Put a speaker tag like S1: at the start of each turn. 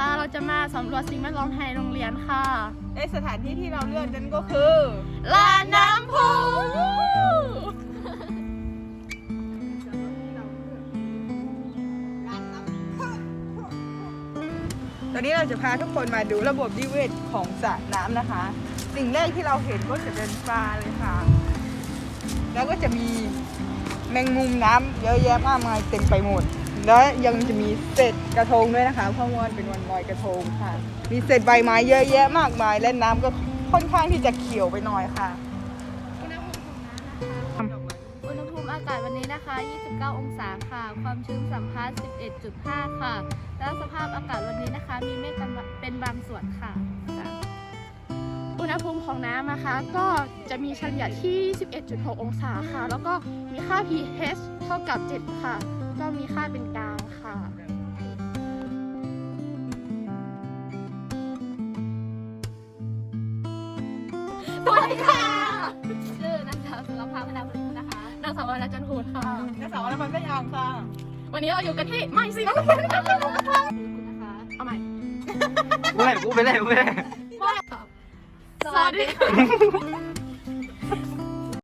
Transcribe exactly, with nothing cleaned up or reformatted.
S1: นะคะเราจะมาสำรวจสิ่งแวดล้อมในโรงเรียนค่ะ
S2: ในสถานที่ที่เราเลือกนั้นก็คือ
S1: ลานน้ำพุ
S2: ตอนนี้เราจะพาทุกคนมาดูระบบนิเวศของสระน้ำนะคะ สิ่งแรกที่เราเห็นก็จะเป็นปลาเลยค่ะแล้วก็จะมีแมงมุมน้ำเยอะแยะมากมายเต็มไปหมดแล้วยังจะมีเศษกระทงด้วยนะคะเพราะว่าเป็นวันลอยกระทงค่ะมีเศษใบไม้เยอะแยะมากมายและน้ำก็ค่อนข้างที่จะเขียวไปหน่อยค่ะ
S1: อุณหภูมิอากาศวันนี้นะคะยี่สิบเก้าองศาค่ะความชื้นสัมพัทธ์ สิบเอ็ดจุดห้า ค่ะแล้วสภาพอากาศวันนี้นะคะมีเมฆเป็นบางส่วนค่ะอุณหภูมิของน้ำนะคะก็จะมีเฉลี่ยที่ สิบเอ็ดจุดหก องศาค่ะแล้วก็มีค่า pH เท่ากับ เจ็ด ค่ะก็มีค่าเป็นกลางค่ะสวัสดีค่ะชื่อนางสาวสุรภาพพนาบุรีนะคะนางสาววรรณจันทร์พูนค่ะ
S2: นางสาวอะไรมันไม่ยางค่ะ
S1: วันนี้เราอยู่กันที่ไม่สิน้องคุณนะคะเอาใหม่
S3: กูไปกูไปเลยกูไปเลย
S1: สวัสดีค่ะ